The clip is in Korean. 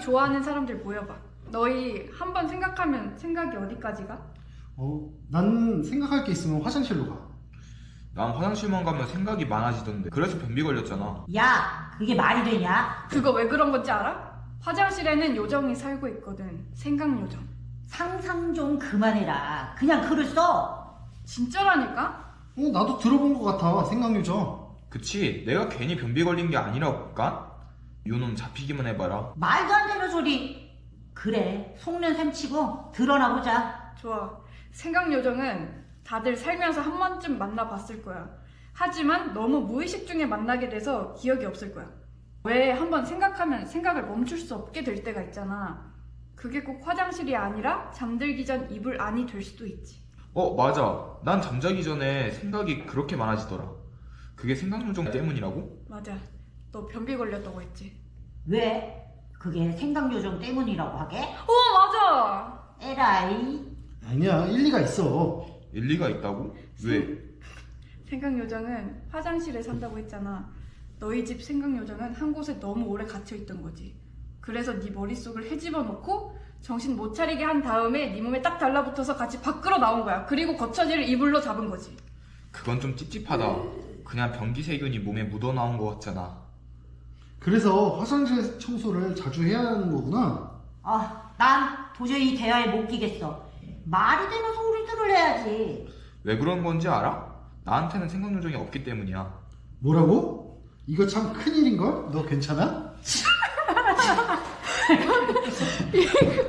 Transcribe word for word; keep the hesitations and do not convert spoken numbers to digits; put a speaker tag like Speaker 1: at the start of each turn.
Speaker 1: 좋아하는 사람들 모여봐. 너희 한번 생각하면 생각이 어디까지 가?
Speaker 2: 어, 난 생각할 게 있으면 화장실로 가.
Speaker 3: 난 화장실만 가면 생각이 많아지던데. 그래서 변비 걸렸잖아.
Speaker 4: 야, 그게 말이 되냐?
Speaker 1: 그거 왜 그런 건지 알아? 화장실에는 요정이 살고 있거든. 생각요정.
Speaker 4: 상상 좀 그만해라. 그냥 글을 써.
Speaker 1: 진짜라니까?
Speaker 2: 어, 나도 들어본 것 같아. 생각요정.
Speaker 3: 그치? 내가 괜히 변비 걸린 게 아니라니까? 요놈 잡히기만 해봐라.
Speaker 4: 말도 안 되는 소리. 그래, 속는 셈 치고 드러나 보자.
Speaker 1: 좋아. 생각요정은 다들 살면서 한 번쯤 만나봤을 거야. 하지만 너무 무의식 중에 만나게 돼서 기억이 없을 거야. 왜 한번 생각하면 생각을 멈출 수 없게 될 때가 있잖아. 그게 꼭 화장실이 아니라 잠들기 전 이불 안이 될 수도 있지.
Speaker 3: 어, 맞아. 난 잠자기 전에 생각이 그렇게 많아지더라. 그게 생각요정 때문이라고?
Speaker 1: 맞아. 너 변비 걸렸다고 했지?
Speaker 4: 왜? 그게 생각요정 때문이라고 하게?
Speaker 1: 어, 맞아!
Speaker 4: 에라이.
Speaker 2: 아니야, 일리가 있어.
Speaker 3: 일리가 있다고? 왜?
Speaker 1: 생각요정은 화장실에 산다고 했잖아. 너희 집 생각요정은 한 곳에 너무 오래 갇혀있던 거지. 그래서 네 머릿속을 헤집어 놓고 정신 못 차리게 한 다음에 네 몸에 딱 달라붙어서 같이 밖으로 나온 거야. 그리고 거처지를 이불로 잡은 거지.
Speaker 3: 그건 좀 찝찝하다. 그냥 변기 세균이 몸에 묻어나온 것 같잖아.
Speaker 2: 그래서 화장실 청소를 자주 해야 하는 거구나.
Speaker 4: 아, 난 도저히 이 대화에 못 끼겠어. 말이 되는 소리들을 해야지.
Speaker 3: 왜 그런 건지 알아? 나한테는 생각요정이 없기 때문이야.
Speaker 2: 뭐라고? 이거 참 큰일인걸? 너 괜찮아?